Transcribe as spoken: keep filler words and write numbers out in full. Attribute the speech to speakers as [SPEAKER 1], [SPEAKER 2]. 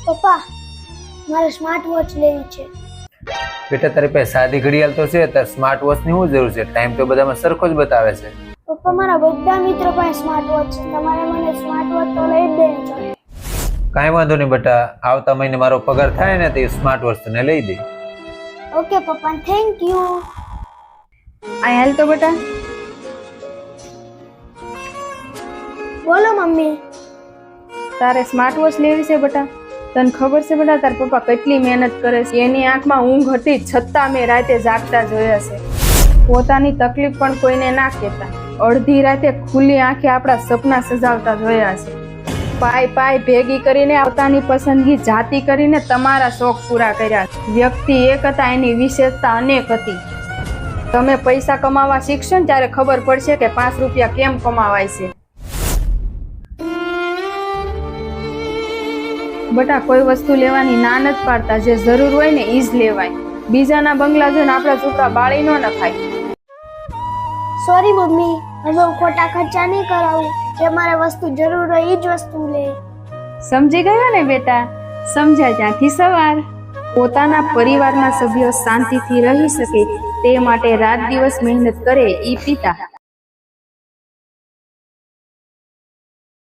[SPEAKER 1] પપ્પા મારે smart watch લેવી છે।
[SPEAKER 2] બેટા તારી પાસે સાદી ઘડિયાળ તો છે, તાર સ્માર્ટ વોચ ની શું જરૂર છે? ટાઈમ તો બધામાં સરખો જ બતાવે છે।
[SPEAKER 1] પપ્પા મારા બધા મિત્રો પાસે સ્માર્ટ વોચ છે, તમારે મને સ્માર્ટ વોચ તો લઈ જ દેવી જોઈએ।
[SPEAKER 2] કાંઈ વાંધો નહીં બેટા, આવતા મહિને મારો પગાર થાય ને તો સ્માર્ટ વોચ તને લઈ દે।
[SPEAKER 1] ઓકે પપ્પા, થેન્ક યુ।
[SPEAKER 3] આ હાલ તો બેટા।
[SPEAKER 1] બોલો મમ્મી।
[SPEAKER 3] તારે સ્માર્ટ વોચ લેવી છે બેટા? તને ખબર છે બેટા તાર પપ્પા કેટલી મહેનત કરે છે? એની આંખમાં ઊંઘ હતી છતાં મેં રાતે જાગતા જોયા છે। પોતાની તકલીફ પણ કોઈને ના કહેતા, અડધી રાતે ખુલ્લી આંખે આપણા સપના સજાવતા જોયા છે। પાય પાય ભેગી કરીને પોતાની પસંદગી જાતિ કરીને તમારા શોખ પૂરા કર્યા। વ્યક્તિ એક હતા, એની વિશેષતા અનેક હતી। તમે પૈસા કમાવા શીખશો ને ત્યારે ખબર પડશે કે પાંચ રૂપિયા કેમ કમાવાય છે। બટા કોઈ વસ્તુ લેવાની ના નથી પાડતા, જે જરૂર હોય ને ઈ જ લેવાય। બીજાના બંગલા જોઈને આપણા છોકરા બાળી ન નખાય।
[SPEAKER 1] સોરી મમ્મી, હવે હું ખોટા ખર્ચા નહીં કરાવું, જે મારે વસ્તુ જરૂર હોય એ જ વસ્તુ લે।
[SPEAKER 3] સમજી ગયા ને બેટા? સમજ્યા ત્યાંથી સવાર। પોતાના પરિવારના સભ્યો શાંતિથી રહી શકે તે માટે રાત દિવસ મહેનત કરે ઈ પિતા।